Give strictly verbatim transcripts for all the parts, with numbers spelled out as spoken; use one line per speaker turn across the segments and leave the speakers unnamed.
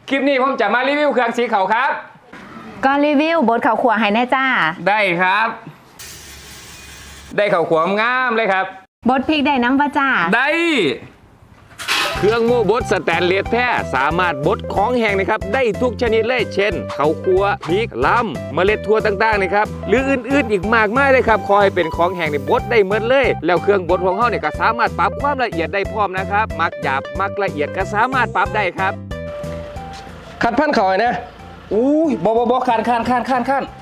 คลิปนี้ผมจะมารีวิวเครื่องสีเขาครับ
ก็รีวิวบดข้าวขัวให้แน่จ้า
ได้ครับได้ข้าวขัวงามเลยครับ
บดพริกได้น้ำปะจ้า
ได้เครื่องโม่บดสแตนเลสแท้สามารถบดของแห้งนะครับได้ทุกชนิดเลยเช่นข้าวคั่วพริกลำเมล็ดถั่วต่างๆนะครับหรืออื่นๆอีกมากมายเลยครับคอยเป็นของแห้งในบดได้เหมือนเลยแล้วเครื่องบดของเขาเนี่ยก็สามารถปรับความละเอียดได้พร้อมนะครับมักหยาบมักละเอียดก็สามารถปรับได้ครับขัดพันเขานะอู้ยบอบอบอคันคันคันคันคัน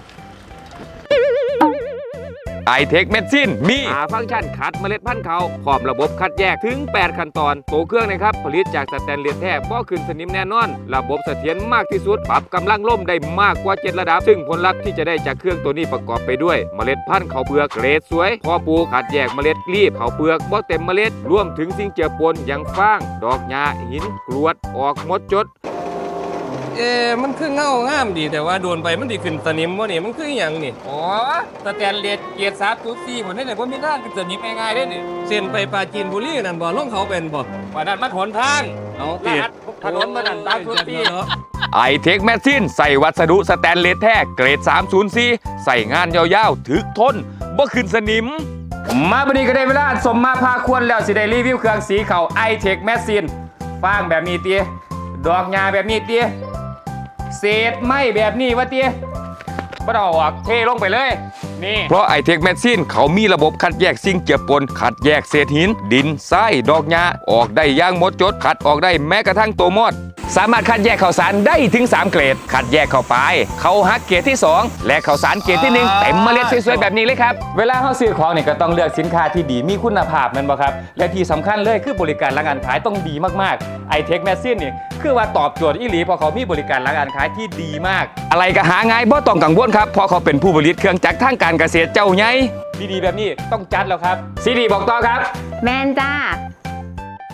ไอเทคเมดซินมีหาฟังก์ชันคัดเมล็ดพันธุ์เขาพร้อมระบบคัดแยกถึงแปดขั้นตอนตัวเครื่องนะครับผลิตจากสแตนเลสแท้บ่ขึ้นสนิมแน่นอนระบบเสถียรมากที่สุดปรับกำลังล่มได้มากกว่าเจ็ดระดับซึ่งผลลัพธ์ที่จะได้จากเครื่องตัวนี้ประกอบไปด้วยเมล็ดพันธุ์ข้าวเปลือกเกรดสวยพอปลูกคัดแยกเมล็ดรีบข้าวเปลือกบ่เต็มเมล็ดรวมถึงสิ่งเจือปนอย่างฟางดอกหญ้าหินกรวดออกหมดจด
เอ๊มันคือเงางามดีแต่ว่าโดนไปมันดีขึ้นสนิมวะนี่มันคืออย่างนี่
อ๋อสแตนเลสเกียร์สามจุดสี่ผมได้เลยว่ามีด้านเป็นสนิมง่ายๆได้นี่
เส้นไปปราจีนบุรีนั่นบ่ลงเขาเป็นบ่
ว่านั่นมันหนทาง
เอาเตีย
ถนนมันนั่นสามจุดสี่
ไอเทคแมชชีนใส่วัสดุสแตนเลสแท้เกรดสามศูนย์สี่ใส่งานยาวๆถึกทนบ่ขึ้นสนิม
มาบันนี้ก็ได้เวลาสมมาพาควรแล้วสิได้รีวิวเครื่องสีเขาไอเทคแมชชีนฟางแบบนี้เตี้ยดอกหญ้าแบบนี้เตี้ยเศษไม้แบบนี้วะเตี้ยก็ต้องออกเทลงไปเลยนี่
เพราะไอเทคแมชชีนเขามีระบบคัดแยกสิ่งเจือปนคัดแยกเศษหินดินทรายดอกหญ้าออกได้อย่างหมดจดคัดออกได้แม้กระทั่งตัวมอดสามารถคัดแยกข้าวสารได้ถึงสามเกรดคัดแยกเข้าไปเขาฮักเกรดที่สองและข้าวสารเกรดที่หนึ่งเต็มเมล็ดสวยๆแบบนี้เลยครับ
เวลาเขาซื้อของเนี่ยก็ต้องเลือกสินค้าที่ดีมีคุณภาพนั่นบ่ครับและที่สำคัญเลยคือบริการหลังการขายต้องดีมากๆไอเทคแมชชีนนี่คือว่าตอบโจทย์อีหลีเพราะเขามีบริการหลังการขายที่ดีมาก
อะไรก็หาง่ายบ่ต้องกังวลครับเพราะเขาเป็นผู้ผลิตเครื่องจักรทางการเกษตรเจ้าใหญ่
ดีๆแบบนี้ต้องจัดแล้วครับซีดีบอกต่อครับ
แมนจ้า